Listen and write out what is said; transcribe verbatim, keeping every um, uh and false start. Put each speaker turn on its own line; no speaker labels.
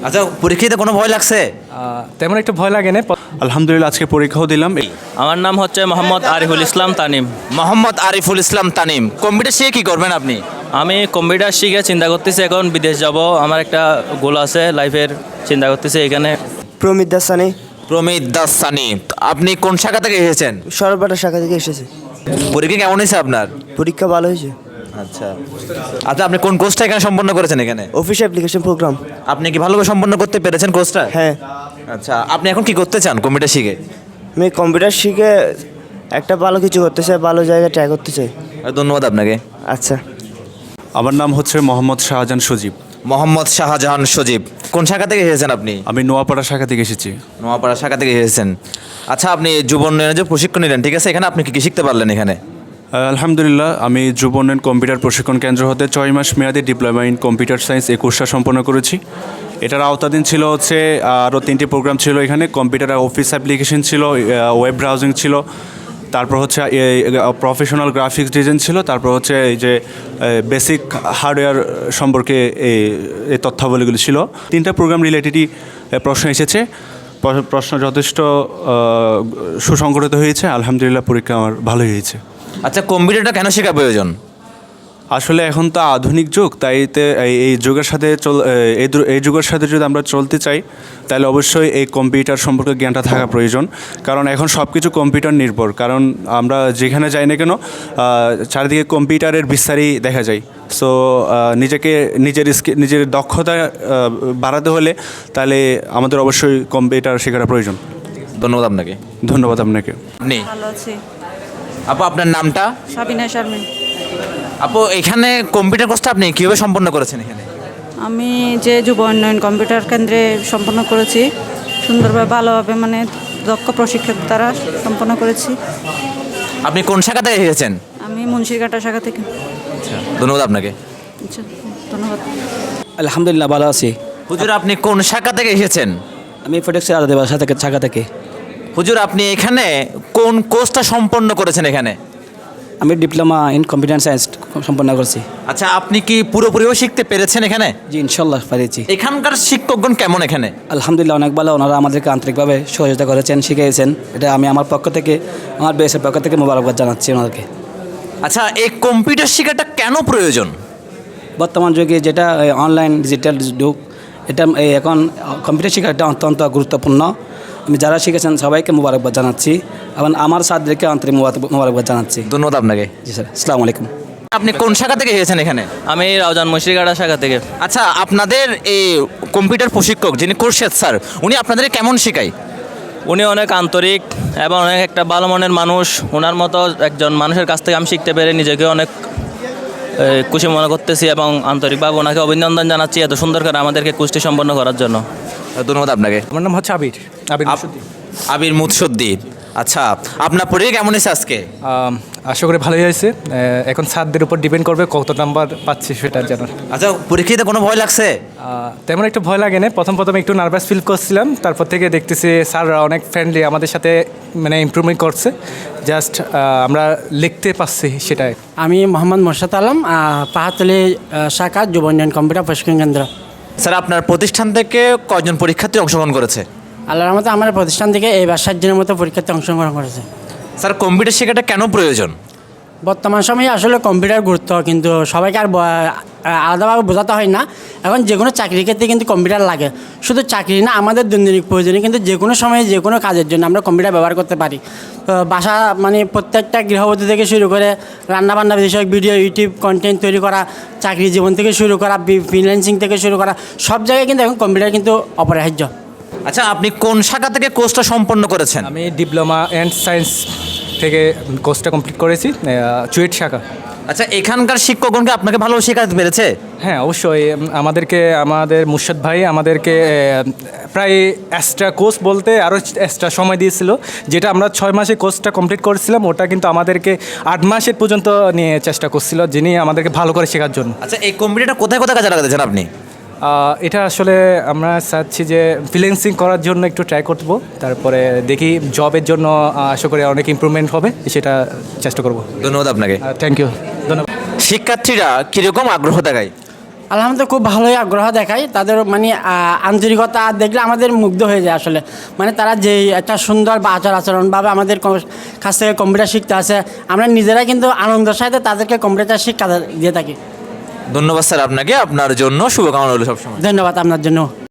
আচ্ছা, পরীক্ষাতে কোনো ভয় লাগছে?
তেমন একটা ভয় লাগে না।
আলহামদুলিল্লাহ, আজকে পরীক্ষাও দিলাম।
আমার নাম হচ্ছে মোহাম্মদ আরিফুল ইসলাম তানিম।
মোহাম্মদ আরিফুল ইসলাম তানিম, কম্পিউটার শিখে কী করবেন আপনি?
আমি কম্পিউটার শিখে চিন্তা করতেছি এখন বিদেশ যাব। আমার একটা গোল আছে লাইফের, চিন্তা করতেছি এখানে।
প্রমিত দাসানি।
প্রমিত দাস সানি, আপনি কোন শাখা থেকে এসেছেন?
সরবটা শাখা থেকে এসেছে।
পরীক্ষা কেমন হয়েছে আপনার?
পরীক্ষা ভালো হয়েছে।
আচ্ছা আচ্ছা, আপনি কোন কোর্সটা এখানে সম্পন্ন করেছেন এখানে?
Office application program.
আপনি কি ভালোভাবে সম্পন্ন করতে পেরেছেন কোর্সটা?
হ্যাঁ।
আচ্ছা, আপনি এখন কি করতে চান কম্পিউটার শিখে?
আমি কম্পিউটার শিখে একটা ভালো কিছু করতে চাই, ভালো জায়গায় ট্রাই করতে চাই।
ধন্যবাদ আপনাকে।
আচ্ছা।
আমার নাম হচ্ছে মোহাম্মদ শাহজাহান সজীব।
মোহাম্মদ শাহজাহান সজীব, কোন শাখা থেকে এসেছেন আপনি?
আমি নোয়াপাড়া শাখা থেকে এসেছি।
নোয়াপাড়া শাখা থেকে এসেছেন। আচ্ছা, আপনি যুব উন্নয়নের যে প্রশিক্ষণ নিলেন, ঠিক আছে, এখানে আপনি কি কি শিখতে পারলেন এখানে?
আলহামদুলিল্লাহ, আমি যুব উন্নয়ন কম্পিউটার প্রশিক্ষণ কেন্দ্র হতে ছয় মাস মেয়াদী ডিপ্লোমা ইন কম্পিউটার সায়েন্স এই কোর্সটা সম্পন্ন করেছি। এটার আওতাধীন ছিল হচ্ছে আরও তিনটি প্রোগ্রাম ছিল এখানে। কম্পিউটার অফিস অ্যাপ্লিকেশন ছিল, ওয়েব ব্রাউজিং ছিল, তারপর হচ্ছে প্রফেশনাল গ্রাফিক্স ডিজাইন ছিল, তারপর হচ্ছে এই যে বেসিক হার্ডওয়্যার সম্পর্কে এই এই তথ্যাবলীগুলি ছিল। তিনটা প্রোগ্রাম রিলেটেডই প্রশ্ন এসেছে। প্রশ্ন যথেষ্ট সুসংগঠিত হয়েছে। আলহামদুলিল্লাহ, পরীক্ষা আমার ভালোই হয়েছে।
আচ্ছা, কম্পিউটারটা কেন শেখা প্রয়োজন?
আসলে এখন তো আধুনিক যুগ, তাইতে এই যুগের সাথে চল এই এই যুগের সাথে যদি আমরা চলতে চাই তাহলে অবশ্যই এই কম্পিউটার সম্পর্কে জ্ঞানটা থাকা প্রয়োজন। কারণ এখন সব কিছু কম্পিউটার নির্ভর। কারণ আমরা যেখানে যাই না কেন চারিদিকে কম্পিউটারের বিস্তারই দেখা যায়। সো নিজেকে নিজের নিজের দক্ষতা বাড়াতে হলে তাহলে আমাদের অবশ্যই কম্পিউটার শেখাটা প্রয়োজন।
ধন্যবাদ আপনাকে।
ধন্যবাদ আপনাকে।
আপনি
ভালো আছি।
আপু, আপনার নামটা?
সাবিনা শারমিন।
আপু, এখানে কম্পিউটার কোর্সটা আপনি কীভাবে সম্পন্ন করেছেন এখানে?
আমি যে যুব উন্নয়ন কম্পিউটার কেন্দ্রে সম্পন্ন করেছি, সুন্দরভাবে ভালোভাবে মানে দক্ষ প্রশিক্ষক দ্বারা সম্পন্ন করেছি।
আপনি কোন শাখা থেকে এসেছেন?
আমি মুন্সিরঘাটা শাখা থেকে।
আচ্ছা, ধন্যবাদ আপনাকে।
আচ্ছা, ধন্যবাদ।
আলহামদুলিল্লাহ, ভালো আছি।
হুজুর, আপনি কোন শাখা থেকে এসেছেন?
আমি ফটেক্সের আলাদা বাসা থেকে শাখা থেকে।
হুজুর, আপনি এখানে কোন কোর্সটা সম্পন্ন করেছেন এখানে?
আমি ডিপ্লোমা ইন কম্পিউটার সায়েন্স সম্পন্ন করছি।
আচ্ছা, আপনি কি পুরোপুরিও শিখতে পেরেছেন এখানে?
জি, ইনশাল্লাহ পেরেছি।
এখানকার শিক্ষকগণ কেমন এখানে?
আলহামদুলিল্লাহ, অনেক ভালো। ওনারা আমাদেরকে আন্তরিকভাবে সহযোগিতা করেছেন, শিখিয়েছেন। এটা আমি আমার পক্ষ থেকে, আমার বেসের পক্ষ থেকে মোবারকবাদ জানাচ্ছি ওনাদেরকে।
আচ্ছা, এই কম্পিউটার শেখাটা কেন প্রয়োজন?
বর্তমান যুগে যেটা অনলাইন ডিজিটাল যুগ, এটা এই এখন কম্পিউটার শেখাটা অত্যন্ত গুরুত্বপূর্ণ। আমি যারা শিখেছেন সবাইকে মোবারকবাদ জানাচ্ছি এবং আমার ছাত্রদেরকে আন্তরিক মোবারকবাদ জানাচ্ছি।
ধন্যবাদ আপনাকে।
জি স্যার, আসসালামু আলাইকুম।
আপনি কোন শাখা থেকে এসেছেন এখানে?
আমি রাউজান মুন্সিরঘাটা শাখা থেকে।
আচ্ছা, আপনাদের এই কম্পিউটার প্রশিক্ষক যিনি কোর্শেদ স্যার, উনি আপনাদের কেমন শেখায়?
উনি অনেক আন্তরিক এবং অনেক একটা ভালো মনের মানুষ। ওনার মতো একজন মানুষের কাছ থেকে আমি শিখতে পেরে নিজেকে অনেক খুশি মনে করতেছি এবং আন্তরিকভাবে ওনাকে অভিনন্দন জানাচ্ছি এত সুন্দর করে আমাদেরকে কুস্তি সম্পন্ন করার জন্য।
ধন্যবাদ আপনাকে।
আমার নাম হচ্ছে আবির আবির মুৎসুদ্দি।
আবির মুৎসুদ্দি। আচ্ছা, আপনার পরীক্ষা কেমন হয়েছে আজকে?
আশা করি ভালোই হয়েছে। এখন ছাত্রদের উপর ডিপেন্ড করবে কত নাম্বার পাচ্ছি সেটা জানার।
আচ্ছা, পরীক্ষাতে কোনো ভয় লাগছে?
তেমন একটু ভয় লাগে না। প্রথম প্রথম একটু নার্ভাস ফিল করছিলাম, তারপর থেকে দেখতেছি স্যাররা অনেক ফ্রেন্ডলি, আমাদের সাথে মানে ইমপ্রুভমেন্ট করছে। জাস্ট আমরা লিখতে পারছি সেটাই।
আমি মোহাম্মদ মোর্শেদ আলম, পাহাড়তলী শাখা যুব উন্নয়ন কম্পিউটার প্রশিক্ষণ কেন্দ্র।
স্যার, আপনার প্রতিষ্ঠান থেকে কয়জন পরীক্ষার্থী অংশগ্রহণ করেছে?
আল্লাহর রহমতে আমার প্রতিষ্ঠান থেকে এই বার ষাট জনের মতো পরীক্ষার্থী অংশগ্রহণ করেছে।
স্যার, কম্পিউটার শেখাটা কেন প্রয়োজন?
বর্তমান সময়ে আসলে কম্পিউটার গুরুত্ব কিন্তু সবাইকে আর আলাদাভাবে বোঝাতে হয় না। এখন যে কোনো চাকরির ক্ষেত্রে কিন্তু কম্পিউটার লাগে। শুধু চাকরি না, আমাদের দৈনন্দিন প্রয়োজনে কিন্তু যে কোনো সময়ে যে কোনো কাজের জন্য আমরা কম্পিউটার ব্যবহার করতে পারি। বাসা মানে প্রত্যেকটা গৃহবধূ থেকে শুরু করে রান্নাবান্না বিষয়ক ভিডিও, ইউটিউব কন্টেন্ট তৈরি করা, চাকরি জীবন থেকে শুরু করা, ফ্রিল্যান্সিং থেকে শুরু করা, সব জায়গায় কিন্তু এখন কম্পিউটার কিন্তু অপরিহার্য।
আচ্ছা, আপনি কোন শাখা থেকে কোর্সটা সম্পন্ন করেছেন?
আমি ডিপ্লোমা অ্যান্ড সায়েন্স থেকে কোর্সটা কমপ্লিট করেছি, চুয়েট শাখা।
আচ্ছা, এখানকার শিক্ষকগণকে আপনাকে ভালো শেখাতে পেরেছে?
হ্যাঁ, অবশ্যই। আমাদেরকে আমাদের মুর্শদ ভাই আমাদেরকে প্রায় এক্সট্রা কোর্স বলতে আরও এক্সট্রা সময় দিয়েছিল, যেটা আমরা ছয় মাসে কোর্সটা কমপ্লিট করেছিলাম, ওটা কিন্তু আমাদেরকে আট মাসের পর্যন্ত নিয়ে চেষ্টা করছিল, যিনি আমাদেরকে ভালো করে শেখার জন্য।
আচ্ছা, এই কম্পিউটারটা কোথায় কোথায় কাজে লাগাতেছেন আপনি?
এটা আসলে আমরা চাচ্ছি যে ফ্রিল্যান্সিং করার জন্য একটু ট্রাই করবো, তারপরে দেখি জবের জন্য আশা করি অনেক ইমপ্রুভমেন্ট হবে, সেটা চেষ্টা করব।
ধন্যবাদ আপনাকে।
Thank you. ধন্যবাদ।
শিক্ষার্থীরা কীরকম আগ্রহ দেখায়?
আলহামদুলিল্লাহ খুব ভালোই আগ্রহ দেখায় তাদের মানে আহ, আন্তরিকতা দেখলে আমাদের মুগ্ধ হয়ে যায় আসলে মানে তারা যে একটা সুন্দর বা আচার আচরণভাবে আমাদের ক- কাছ থেকে কম্পিউটার শিখতে আসে আমরা নিজেরা কিন্তু আনন্দের সাথে তাদেরকে কম্পিউটার শিক্ষা দিয়ে থাকি।
ধন্যবাদ স্যার আপনাকে, আপনার জন্য শুভকামনা রইল সবসময়।
ধন্যবাদ আপনার জন্য।